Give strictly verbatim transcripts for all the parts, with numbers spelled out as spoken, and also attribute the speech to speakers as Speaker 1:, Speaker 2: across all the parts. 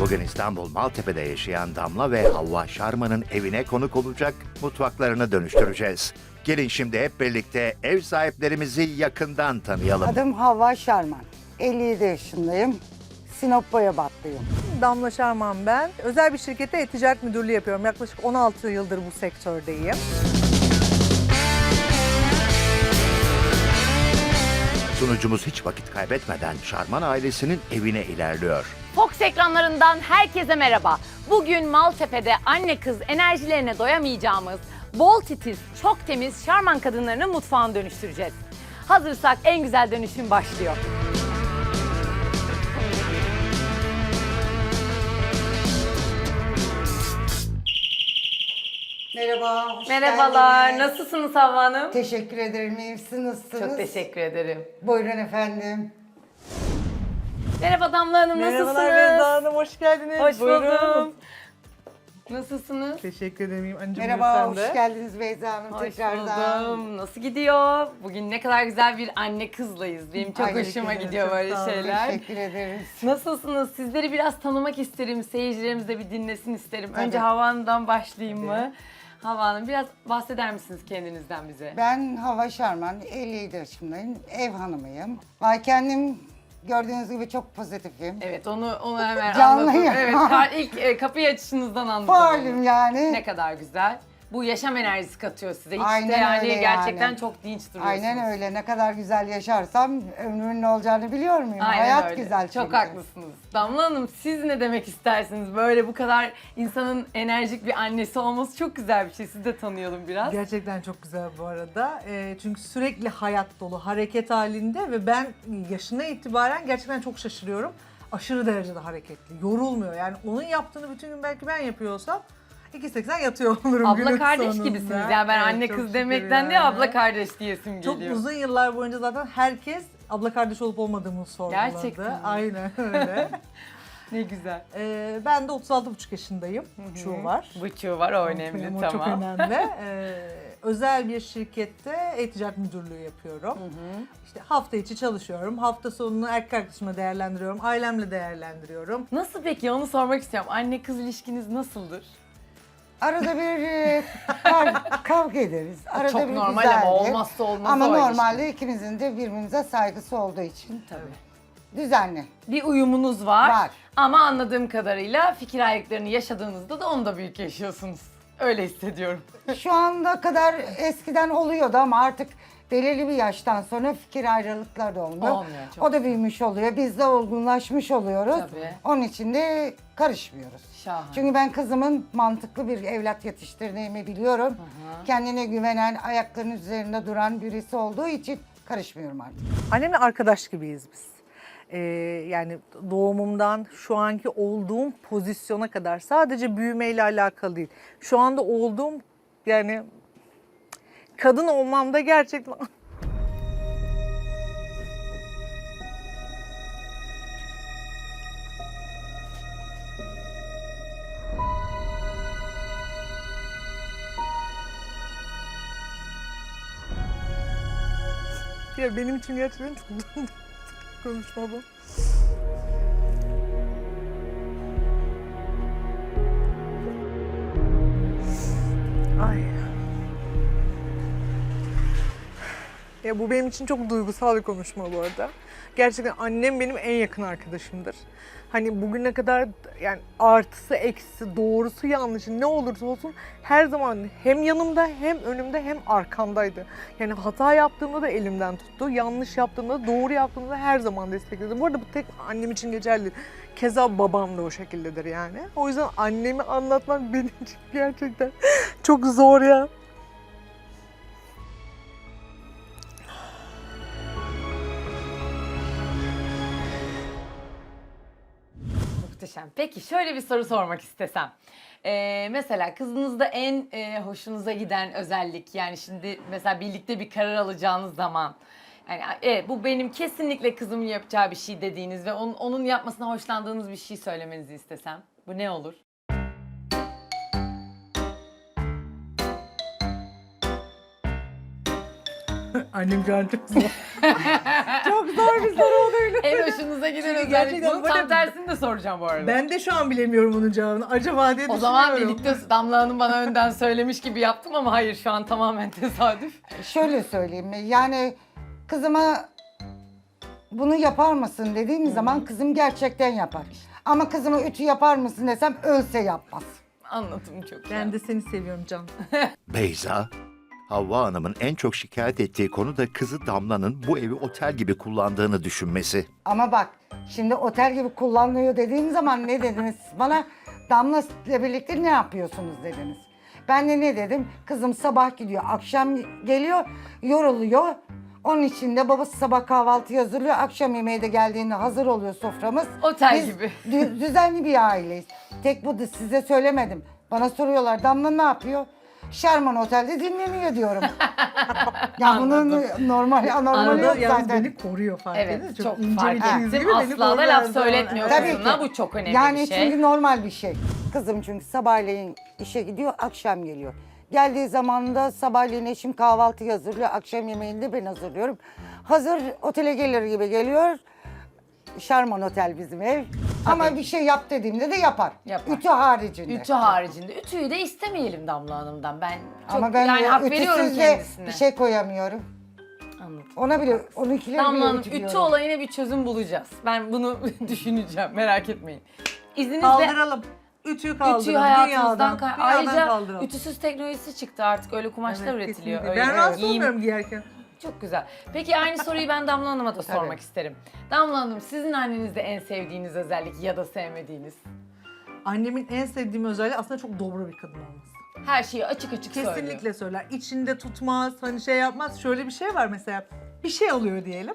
Speaker 1: Bugün İstanbul Maltepe'de yaşayan Damla ve Havva Şarman'ın evine konuk olacak, mutfaklarını dönüştüreceğiz. Gelin şimdi hep birlikte ev sahiplerimizi yakından tanıyalım.
Speaker 2: Adım Havva Şarman. elli yedi yaşındayım. Sinop Boyabatlıyım.
Speaker 3: Damla Şarman ben. Özel bir şirkette e-ticaret müdürlüğü yapıyorum. Yaklaşık on altı yıldır bu sektördeyim.
Speaker 1: Sunucumuz hiç vakit kaybetmeden Şarman ailesinin evine ilerliyor.
Speaker 4: Fox ekranlarından herkese merhaba. Bugün Maltepe'de anne kız enerjilerine doyamayacağımız, bol titiz, çok temiz Şarman kadınlarını mutfağına dönüştüreceğiz. Hazırsak en güzel dönüşüm başlıyor.
Speaker 2: Merhaba, hoş
Speaker 4: Merhabalar,
Speaker 2: geldiniz.
Speaker 4: nasılsınız Havva Hanım?
Speaker 2: Teşekkür ederim, iyi misiniz? Nasılsınız?
Speaker 4: Çok teşekkür ederim.
Speaker 2: Buyurun efendim.
Speaker 4: Merhaba Damla Hanım,
Speaker 3: Merhabalar
Speaker 4: nasılsınız?
Speaker 3: Beyza Hanım, hoş geldiniz.
Speaker 4: Hoş
Speaker 3: Buyurun.
Speaker 4: buldum. Nasılsınız?
Speaker 3: Teşekkür ederim anneciğim.
Speaker 2: Merhaba,
Speaker 3: sen
Speaker 2: hoş
Speaker 3: de.
Speaker 2: geldiniz Beyza Hanım
Speaker 4: Hoş
Speaker 2: tekrardan.
Speaker 4: buldum. Nasıl gidiyor? Bugün ne kadar güzel bir anne kızlayız. Benim çok
Speaker 2: Ay,
Speaker 4: hoşuma
Speaker 3: teşekkür ederim,
Speaker 4: gidiyor
Speaker 3: çok
Speaker 4: böyle
Speaker 3: sağ olun.
Speaker 4: şeyler.
Speaker 2: Teşekkür ederiz.
Speaker 4: Nasılsınız? Sizleri biraz tanımak isterim. Seyircilerimiz de bir dinlesin isterim. Önce
Speaker 2: Tabii.
Speaker 4: Havva Hanım'dan başlayayım mı? Havva Hanım biraz bahseder misiniz kendinizden bize?
Speaker 2: Ben Havva Şarman, elli yedi yaşındayım. Ev hanımıyım. Vay kendim gördüğünüz gibi çok pozitifim.
Speaker 4: Evet onu onu hemen
Speaker 2: Canlıyım.
Speaker 4: anlatın. Evet ka- ilk e, kapıyı açışınızdan anladım.
Speaker 2: Faalim
Speaker 4: onu.
Speaker 2: yani.
Speaker 4: Ne kadar güzel. Bu yaşam enerjisi katıyor size. Hiç
Speaker 2: Aynen
Speaker 4: de yani
Speaker 2: öyle
Speaker 4: gerçekten
Speaker 2: yani.
Speaker 4: çok dinç duruyorsunuz.
Speaker 2: Aynen öyle. Ne kadar güzel yaşarsam ömrümün ne olacağını biliyor muyum?
Speaker 4: Aynen
Speaker 2: Hayat
Speaker 4: öyle.
Speaker 2: güzel
Speaker 4: Çok
Speaker 2: çünkü.
Speaker 4: haklısınız. Damla Hanım siz ne demek istersiniz? Böyle bu kadar insanın enerjik bir annesi olması çok güzel bir şey. Sizi de tanıyalım biraz.
Speaker 3: Gerçekten çok güzel bu arada. Ee, çünkü sürekli hayat dolu, hareket halinde ve ben yaşına itibaren gerçekten çok şaşırıyorum. Aşırı derecede hareketli, yorulmuyor. Yani onun yaptığını bütün gün belki ben yapıyorsam iki seksen yatıyor olurum
Speaker 4: Abla
Speaker 3: günün
Speaker 4: kardeş
Speaker 3: sonunda.
Speaker 4: gibisiniz. Yani ben
Speaker 3: Evet,
Speaker 4: anne
Speaker 3: çok
Speaker 4: kız
Speaker 3: şükür
Speaker 4: demekten de
Speaker 3: yani.
Speaker 4: abla kardeş diyesim
Speaker 3: Çok
Speaker 4: geliyor.
Speaker 3: uzun yıllar boyunca zaten herkes abla kardeş olup olmadığımı sorguladı.
Speaker 4: Gerçekten mi?
Speaker 3: Aynen öyle.
Speaker 4: Ne güzel.
Speaker 3: Ee, ben de otuz altı buçuk yaşındayım. Buçuğu var.
Speaker 4: Buçuğu var o önemli,
Speaker 3: Benim o
Speaker 4: tamam.
Speaker 3: çok önemli. Ee, özel bir şirkette e-ticaret müdürlüğü yapıyorum. İşte hafta içi çalışıyorum. Hafta sonunu erkek arkadaşımla değerlendiriyorum. Ailemle değerlendiriyorum.
Speaker 4: Nasıl peki onu sormak istiyorum. Anne kız ilişkiniz nasıldır?
Speaker 2: Arada bir e, kav- kavga ederiz. Arada
Speaker 4: Çok
Speaker 2: bir
Speaker 4: normal
Speaker 2: güzeldir.
Speaker 4: ama olmazsa olmazı
Speaker 2: Ama
Speaker 4: o
Speaker 2: normalde ikimizin de birbirimize saygısı olduğu için
Speaker 4: Tabii.
Speaker 2: düzenli.
Speaker 4: Bir uyumunuz var.
Speaker 2: Var.
Speaker 4: Ama anladığım kadarıyla fikir ayrılıklarını yaşadığınızda da onu da büyük yaşıyorsunuz. Öyle hissediyorum.
Speaker 2: Şu anda kadar eskiden oluyordu ama artık belirli bir yaştan sonra fikir ayrılıkları da olmuyor.
Speaker 4: Olmuyor, çok
Speaker 2: O da büyümüş oluyor. Biz de olgunlaşmış oluyoruz.
Speaker 4: Tabii.
Speaker 2: Onun için de karışmıyoruz.
Speaker 4: Şahane.
Speaker 2: Çünkü ben kızımın mantıklı bir evlat yetiştirdiğimi biliyorum. Kendine güvenen, ayaklarının üzerinde duran birisi olduğu için karışmıyorum artık.
Speaker 3: Annemle arkadaş gibiyiz biz. Ee, yani doğumumdan şu anki olduğum pozisyona kadar sadece büyümeyle alakalı değil. Şu anda olduğum yani kadın olmamda gerçekten ya benim için gerçekten çok konuşma bu. Ay. Ya bu benim için çok duygusal bir konuşma bu arada. Gerçekten annem benim en yakın arkadaşımdır. Hani bugüne kadar yani artısı eksisi, doğrusu yanlışı ne olursa olsun her zaman hem yanımda hem önümde hem arkamdaydı. Yani hata yaptığımda da elimden tuttu, yanlış yaptığımda da doğru yaptığımda da her zaman destekledi. Bu arada bu tek annem için geçerli. Keza babam da o şekildedir yani. O yüzden annemi anlatmak benim için gerçekten çok zor ya.
Speaker 4: Muhteşem. Peki şöyle bir soru sormak istesem. Ee, mesela kızınızda en e, hoşunuza giden özellik, yani şimdi mesela birlikte bir karar alacağınız zaman yani evet, bu benim kesinlikle kızımın yapacağı bir şey dediğiniz ve onun, onun yapmasına hoşlandığınız bir şey söylemenizi istesem bu ne olur?
Speaker 3: Annem şu an çok zor. Çok zor güzel bir soru oldu öyle.
Speaker 4: En hoşunuza giden
Speaker 3: Çünkü
Speaker 4: özellik.
Speaker 3: gerçekten
Speaker 4: Bunun
Speaker 3: böyle-
Speaker 4: tam tersini de soracağım bu arada.
Speaker 3: Ben de şu an bilemiyorum bunun cevabını. Acaba diye
Speaker 4: O zaman
Speaker 3: düşünüyorum.
Speaker 4: birlikte Damla Hanım bana önden söylemiş gibi yaptım ama hayır, şu an tamamen tesadüf.
Speaker 2: Şöyle söyleyeyim yani kızıma bunu yapar mısın dediğim zaman kızım gerçekten yapar. Ama kızıma ütü yapar mısın desem ölse yapmaz.
Speaker 4: Anladım çok.
Speaker 3: Ben de seni seviyorum Can.
Speaker 1: Beyza, Havva Hanım'ın en çok şikayet ettiği konu da kızı Damla'nın bu evi otel gibi kullandığını düşünmesi.
Speaker 2: Ama bak şimdi otel gibi kullanılıyor dediğim zaman ne dediniz? Bana Damla ile birlikte ne yapıyorsunuz dediniz. Ben de ne dedim? Kızım sabah gidiyor, akşam geliyor, yoruluyor. Onun için de babası sabah kahvaltı hazırlıyor, akşam yemeği de geldiğinde hazır oluyor soframız.
Speaker 4: Otel
Speaker 2: Biz
Speaker 4: gibi.
Speaker 2: dü- düzenli bir aileyiz. Tek bu da size söylemedim. Bana soruyorlar Damla ne yapıyor? Şarman Otel'de dinleniyor diyorum. Ya bunun normal anormal
Speaker 4: Anladım.
Speaker 2: yok
Speaker 3: Yalnız
Speaker 2: zaten.
Speaker 3: beni koruyor fark
Speaker 4: Evet,
Speaker 3: ediyor.
Speaker 4: çok
Speaker 3: ince
Speaker 4: fark
Speaker 3: bir çizgi
Speaker 4: ettim.
Speaker 3: gibi beni
Speaker 4: Asla da
Speaker 3: koruyor
Speaker 4: laf
Speaker 3: her zaman.
Speaker 4: söyletmiyor
Speaker 3: Evet.
Speaker 2: Tabii
Speaker 4: kızına.
Speaker 2: ki.
Speaker 4: Bu çok önemli
Speaker 2: Yani
Speaker 4: bir şey.
Speaker 2: çünkü normal bir şey. Kızım çünkü sabahleyin işe gidiyor, akşam geliyor. Geldiği zaman da sabahleyin eşim kahvaltı hazırlıyor, akşam yemeğini de ben hazırlıyorum. Hazır otele gelir gibi geliyor. Şarman Otel bizim ev. Ama bir şey yap dediğimde de yapar.
Speaker 4: Yapar.
Speaker 2: Ütü haricinde.
Speaker 4: Ütü haricinde. Ütüyü de istemeyelim Damla Hanım'dan. Ben çok
Speaker 2: Ama ben
Speaker 4: yani hak veriyorum
Speaker 2: ütüsüz de
Speaker 4: kendisine.
Speaker 2: bir şey koyamıyorum.
Speaker 4: Anladım.
Speaker 2: Ona bile, onunkileri
Speaker 4: Damla
Speaker 2: bile
Speaker 4: Hanım,
Speaker 2: ütülüyorum.
Speaker 4: ütü olayına bir çözüm bulacağız. Ben bunu düşüneceğim, merak etmeyin. İzninizle
Speaker 3: Kaldıralım. Ütüyü kaldıralım.
Speaker 4: ütüyü hayatımızdan
Speaker 3: Dünyadan,
Speaker 4: kay-
Speaker 3: dünyadan
Speaker 4: Ayrıca
Speaker 3: kaldıralım.
Speaker 4: ütüsüz teknolojisi çıktı artık. Öyle kumaşlar
Speaker 3: Evet,
Speaker 4: üretiliyor.
Speaker 3: kesinlikle.
Speaker 4: Öyle
Speaker 3: Ben rahatsız
Speaker 4: giyim-
Speaker 3: olmuyorum giyerken.
Speaker 4: Çok güzel. Peki aynı soruyu ben Damla Hanım'a da sormak
Speaker 2: Tabii.
Speaker 4: isterim. Damla Hanım, sizin annenizde en sevdiğiniz özellik ya da sevmediğiniz?
Speaker 3: Annemin en sevdiğim özelliği aslında çok dobra bir kadın olması.
Speaker 4: Her şeyi açık açık söylüyor.
Speaker 3: Kesinlikle söyler. İçinde tutmaz, hani şey yapmaz. Şöyle bir şey var mesela. Bir şey alıyor diyelim.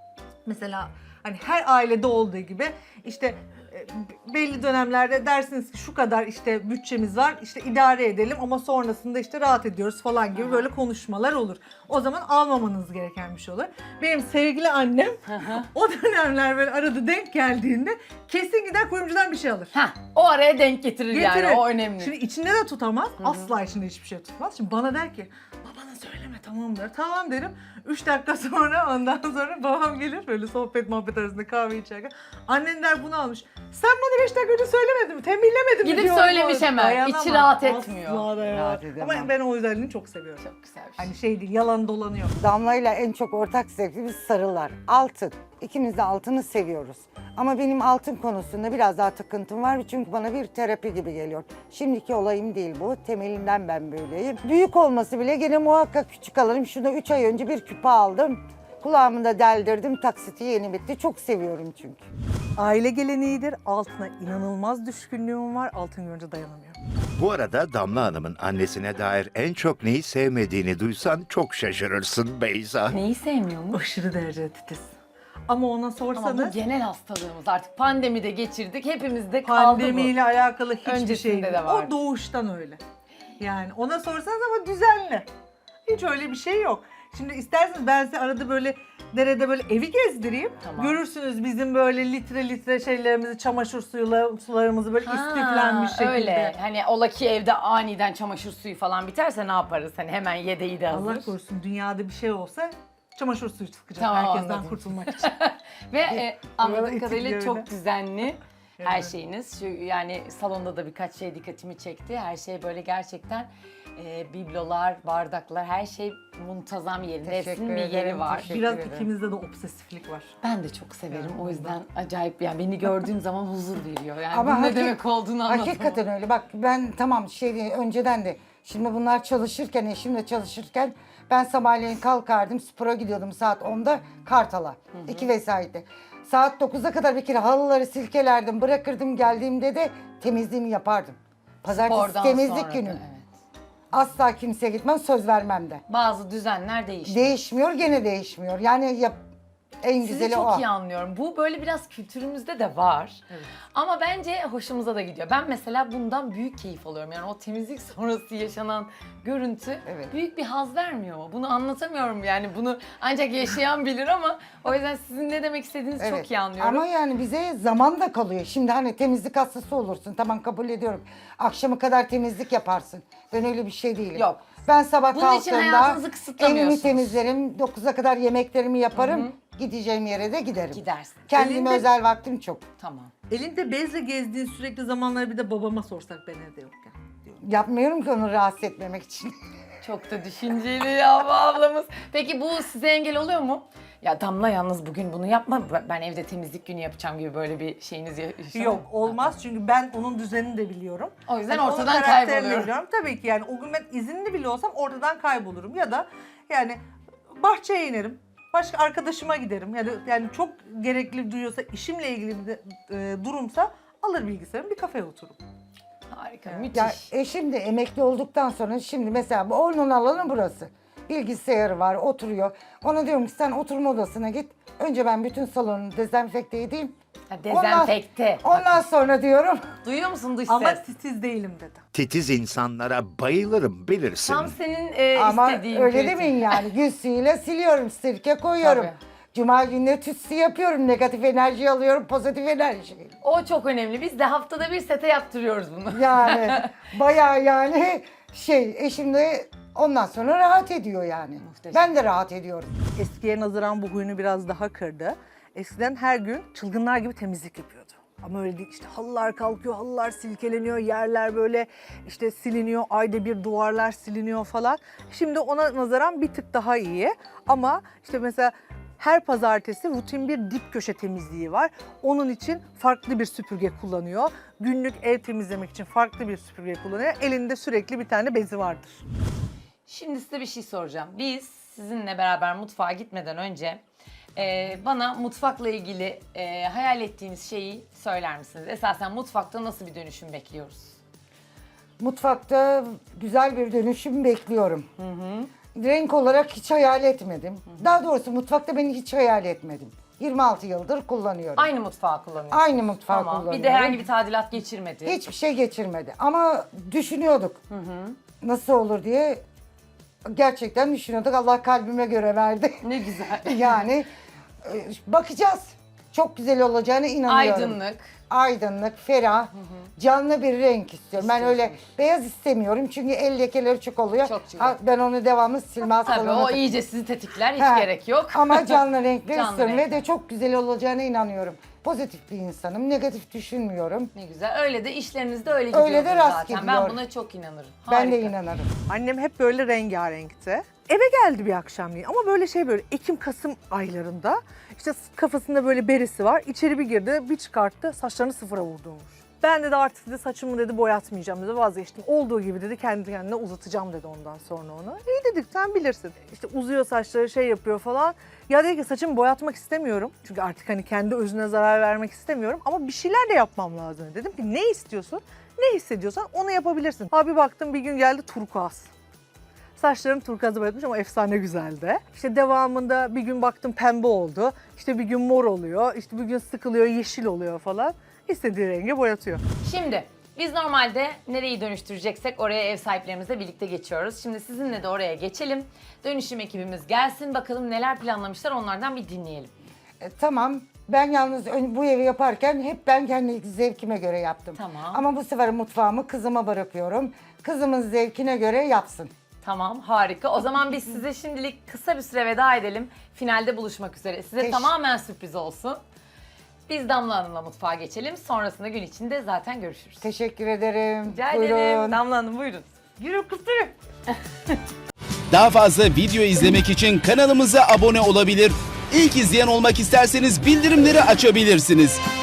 Speaker 3: Mesela hani her ailede olduğu gibi işte e, belli dönemlerde dersiniz ki şu kadar işte bütçemiz var, işte idare edelim ama sonrasında işte rahat ediyoruz falan gibi böyle konuşmalar olur. O zaman almamanız gereken bir şey olur. Benim sevgili annem o dönemler böyle arada denk geldiğinde kesin gider kuyumcudan bir şey alır.
Speaker 4: Heh, o araya denk getirir,
Speaker 3: Getirir.
Speaker 4: yani, o önemli.
Speaker 3: Şimdi içinde de tutamaz. Asla içinde hiçbir şey tutmaz. Şimdi bana der ki babana söyleme tamam der. Tamam derim. Üç dakika sonra ondan sonra babam gelir böyle sohbet muhabbet arasında kahve içerken. Annen der bunu almış. Sen bana beş dakika önce söylemedin mi? Tembihlemedin mi?
Speaker 4: Gidip
Speaker 3: diyor.
Speaker 4: söylemiş hemen.
Speaker 3: Dayanamaz.
Speaker 4: İçi rahat etmiyor.
Speaker 3: Asla dayanamaz.
Speaker 2: Rahat edemem.
Speaker 3: Ama ben o özelliğini çok seviyorum.
Speaker 4: Çok güzel bir şey.
Speaker 3: Hani şey değil, yalan dolanıyor.
Speaker 2: Damla'yla en çok ortak zevkimiz sarılar. Altın. İkimiz de altını seviyoruz. Ama benim altın konusunda biraz daha takıntım var çünkü bana bir terapi gibi geliyor. Şimdiki olayım değil bu. Temelinden ben böyleyim. Büyük olması bile gene muhakkak küçük alırım. Şuna üç ay önce bir küpe aldım. Kulağımı da deldirdim. Taksiti yeni bitti. Çok seviyorum çünkü.
Speaker 3: Aile geleneğidir. Altına inanılmaz düşkünlüğüm var. Altın görünce dayanamıyorum.
Speaker 1: Bu arada Damla Hanım'ın annesine dair en çok neyi sevmediğini duysan çok şaşırırsın Beyza.
Speaker 4: Neyi sevmiyormuş?
Speaker 3: Aşırı derecede titiz. Ama ona
Speaker 4: Ama
Speaker 3: sorsanız...
Speaker 4: bu genel hastalığımız, artık pandemide geçirdik. Hepimizde kaldı
Speaker 3: Pandemiyle alakalı hiçbir
Speaker 4: Öncesinde
Speaker 3: şey
Speaker 4: de
Speaker 3: değil.
Speaker 4: vardı.
Speaker 3: O doğuştan öyle. Yani ona sorsanız ama düzenli. Hiç öyle bir şey yok. Şimdi isterseniz ben size arada böyle derede böyle evi gezdireyim.
Speaker 4: Tamam.
Speaker 3: Görürsünüz bizim böyle litre litre şeylerimizi, çamaşır suyla, sularımızı böyle
Speaker 4: Ha,
Speaker 3: istiflenmiş şekilde.
Speaker 4: Öyle. Hani ola ki evde aniden çamaşır suyu falan biterse ne yaparız? Hani hemen yedeği de hazır.
Speaker 3: Allah korusun dünyada bir şey olsa çamaşır suyu sıkacak
Speaker 4: Tamam,
Speaker 3: herkesten
Speaker 4: anladım.
Speaker 3: kurtulmak için.
Speaker 4: Ve e, anladığım
Speaker 3: etik
Speaker 4: kadarıyla
Speaker 3: öyle.
Speaker 4: çok düzenli her
Speaker 3: Evet.
Speaker 4: şeyiniz. Şu, yani salonda da birkaç şey dikkatimi çekti. Her şey böyle gerçekten e, biblolar, bardaklar, her şey muntazam yerinde.
Speaker 2: Teşekkür
Speaker 4: Hepsinin bir yeri
Speaker 2: ederim,
Speaker 4: var.
Speaker 2: teşekkür
Speaker 3: Biraz
Speaker 2: ederim.
Speaker 3: ikimizde de obsesiflik var.
Speaker 4: Ben de çok severim.
Speaker 3: Yani
Speaker 4: O yüzden acayip, yani beni gördüğüm zaman huzur veriyor. Yani
Speaker 2: Ama
Speaker 4: bunun ne
Speaker 2: hakik-
Speaker 4: demek olduğunu anlatamam.
Speaker 2: Hakikaten öyle. Bak ben tamam şey değil, önceden de şimdi bunlar çalışırken, eşimle çalışırken ben sabahleyin kalkardım, spora gidiyordum saat onda Kartal'a. iki vesaitte. Saat dokuza kadar bir kere halıları silkelerdim, bırakırdım, geldiğimde de temizliğimi yapardım. Pazartesi
Speaker 4: Spordan
Speaker 2: temizlik
Speaker 4: sonra da,
Speaker 2: günüm.
Speaker 4: evet.
Speaker 2: Asla kimseye gitmem, söz vermem de.
Speaker 4: Bazı düzenler değişiyor.
Speaker 2: Değişmiyor, gene değişmiyor. Yani yap, en
Speaker 4: Sizi
Speaker 2: güzeli
Speaker 4: çok
Speaker 2: o.
Speaker 4: iyi anlıyorum. Bu böyle biraz kültürümüzde de var. Ama bence hoşumuza da gidiyor. Ben mesela bundan büyük keyif alıyorum. Yani o temizlik sonrası yaşanan görüntü
Speaker 2: Evet.
Speaker 4: büyük bir haz vermiyor mu? Bunu anlatamıyorum yani. Bunu ancak yaşayan bilir ama o yüzden sizin ne demek istediğinizi çok iyi anlıyorum.
Speaker 2: Ama yani bize zaman da kalıyor. Şimdi hani temizlik hastası olursun. Tamam kabul ediyorum. Akşama kadar temizlik yaparsın. Ben öyle bir şey değilim.
Speaker 4: Yok.
Speaker 2: Ben sabah
Speaker 4: Bunun için
Speaker 2: kalktığımda
Speaker 4: hayatınızı kısıtlamıyorsunuz.
Speaker 2: evimi temizlerim. dokuza kadar yemeklerimi yaparım. Gideceğim yere de giderim.
Speaker 4: Gidersin.
Speaker 2: Kendime
Speaker 3: Elinde-
Speaker 2: özel vaktim çok.
Speaker 4: Tamam.
Speaker 3: Elinde bezle gezdiğin sürekli zamanları bir de babama sorsak ben evde yokken diyorum.
Speaker 2: Yapmıyorum ki onu rahatsız etmemek için.
Speaker 4: Çok da düşünceli ya bu ablamız. Peki bu size engel oluyor mu? Ya Damla yalnız bugün bunu yapma. Ben evde temizlik günü yapacağım gibi böyle bir şeyiniz yaşıyor
Speaker 3: Yok
Speaker 4: mu?
Speaker 3: olmaz çünkü ben onun düzenini de biliyorum.
Speaker 4: O yüzden
Speaker 3: onun
Speaker 4: ortadan
Speaker 3: karakterini de
Speaker 4: kayboluyorum.
Speaker 3: biliyorum. Tabii ki yani o gün ben izinli bile olsam ortadan kaybolurum ya da yani bahçeye inerim. Başka arkadaşıma giderim. Yani yani çok gerekli duyuyorsa işimle ilgili bir de, e, durumsa alır bilgisayarımı bir kafeye otururum.
Speaker 4: Harika, müthiş.
Speaker 2: Ya eşim de emekli olduktan sonra şimdi mesela bu onun alanı burası. Bilgisayarı var, oturuyor. Ona diyorum ki sen oturma odasına git. Önce ben bütün salonu dezenfekte edeyim.
Speaker 4: Ha, dezenfekte.
Speaker 2: Ondan, ondan sonra diyorum.
Speaker 4: Duyuyor musun dış
Speaker 3: Ama
Speaker 4: ses?
Speaker 3: titiz değilim dedi.
Speaker 1: Titiz insanlara bayılırım bilirsin.
Speaker 4: Tam senin e,
Speaker 2: Ama
Speaker 4: istediğin
Speaker 2: öyle
Speaker 4: kritik.
Speaker 2: demeyin yani. Gül suyuyla siliyorum, sirke koyuyorum.
Speaker 4: Tabii.
Speaker 2: Cuma günleri tütsü yapıyorum. Negatif enerji alıyorum, pozitif enerji.
Speaker 4: O çok önemli. Biz de haftada bir sete yaptırıyoruz bunu.
Speaker 2: Yani bayağı yani şey eşim de ondan sonra rahat ediyor yani.
Speaker 4: Muhteşem.
Speaker 2: Ben de rahat ediyorum.
Speaker 3: Eskiye nazaran bu huyunu biraz daha kırdı. Eskiden her gün çılgınlar gibi temizlik yapıyordu. Ama öyle değil, işte halılar kalkıyor, halılar silkeleniyor, yerler böyle işte siliniyor, ayda bir duvarlar siliniyor falan. Şimdi ona nazaran bir tık daha iyi ama işte mesela her pazartesi rutin bir dip köşe temizliği var. Onun için farklı bir süpürge kullanıyor. Günlük ev temizlemek için farklı bir süpürge kullanıyor. Elinde sürekli bir tane bezi vardır.
Speaker 4: Şimdi size bir şey soracağım. Biz sizinle beraber mutfağa gitmeden önce e, bana mutfakla ilgili e, hayal ettiğiniz şeyi söyler misiniz? Esasen mutfakta nasıl bir dönüşüm bekliyoruz?
Speaker 2: Mutfakta güzel bir dönüşüm bekliyorum. Renk olarak hiç hayal etmedim. Daha doğrusu mutfakta beni hiç hayal etmedim. yirmi altı yıldır kullanıyorum.
Speaker 4: Aynı mutfağı kullanıyorsunuz.
Speaker 2: Aynı mutfağı
Speaker 4: Tamam.
Speaker 2: kullanıyorum.
Speaker 4: Bir de herhangi bir tadilat geçirmedi.
Speaker 2: Hiçbir şey geçirmedi. Ama düşünüyorduk. Nasıl olur diye gerçekten düşünüyorduk. Allah kalbime göre verdi.
Speaker 4: Ne güzel.
Speaker 2: Yani e, bakacağız. Çok güzel olacağına inanıyorum.
Speaker 4: Aydınlık.
Speaker 2: Aydınlık, ferah, canlı bir renk istiyorum. Ben öyle beyaz istemiyorum çünkü el lekeleri çok oluyor.
Speaker 4: Çok çok.
Speaker 2: Ha, ben onu devamlı silmez
Speaker 4: Tabii
Speaker 2: falan.
Speaker 4: o iyice sizi tetikler. Hiç
Speaker 2: Ha,
Speaker 4: gerek yok.
Speaker 2: Ama canlı renkler
Speaker 4: Canlı
Speaker 2: istiyorum
Speaker 4: renk.
Speaker 2: ve de çok güzel olacağına inanıyorum. Pozitif bir insanım, negatif düşünmüyorum.
Speaker 4: Ne güzel. Öyle de işlerinizde öyle gidiyor
Speaker 2: Öyle de rast
Speaker 4: zaten. Ben
Speaker 2: gidiyor.
Speaker 4: buna çok inanırım.
Speaker 2: Ben de
Speaker 4: Harika.
Speaker 2: inanırım.
Speaker 3: Annem hep böyle rengarenkti. Eve geldi bir akşamleyin ama böyle şey böyle Ekim-Kasım aylarında işte kafasında böyle beresi var. İçeri bir girdi, bir çıkarttı, saçlarını sıfıra vurdurmuş. Ben dedi artık dedi saçımı dedi boyatmayacağım dedi, vazgeçtim. Olduğu gibi dedi kendi kendine uzatacağım dedi ondan sonra onu. İyi dedik sen bilirsin. İşte uzuyor saçları şey yapıyor falan. Ya dedi ki saçımı boyatmak istemiyorum. Çünkü artık hani kendi özüne zarar vermek istemiyorum ama bir şeyler de yapmam lazım. Dedim ki ne istiyorsun? Ne hissediyorsan onu yapabilirsin. Abi baktım bir gün geldi turkuaz. Saçlarım turkuazı boyatmış ama efsane güzeldi. İşte devamında bir gün baktım pembe oldu. İşte bir gün mor oluyor. İşte bir gün sıkılıyor, yeşil oluyor falan. İstediği renge boyatıyor.
Speaker 4: Şimdi biz normalde nereyi dönüştüreceksek oraya ev sahiplerimizle birlikte geçiyoruz. Şimdi sizinle de oraya geçelim. Dönüşüm ekibimiz gelsin bakalım neler planlamışlar onlardan bir dinleyelim.
Speaker 2: E, tamam. Ben yalnız ön- bu evi yaparken hep ben kendi zevkime göre yaptım.
Speaker 4: Tamam.
Speaker 2: Ama bu sefer mutfağımı kızıma bırakıyorum. Kızımın zevkine göre yapsın.
Speaker 4: Tamam harika. O zaman biz size şimdilik kısa bir süre veda edelim. Finalde buluşmak üzere. Size
Speaker 2: Teş-
Speaker 4: tamamen sürpriz olsun. Biz Damla Hanım'la mutfağa geçelim. Sonrasında gün içinde zaten görüşürüz.
Speaker 2: Teşekkür ederim.
Speaker 4: Rica
Speaker 2: Buyurun.
Speaker 4: ederim. Damla Hanım buyurun. Yürü kız yürü.
Speaker 5: Daha fazla video izlemek için kanalımıza abone olabilir. İlk izleyen olmak isterseniz bildirimleri açabilirsiniz.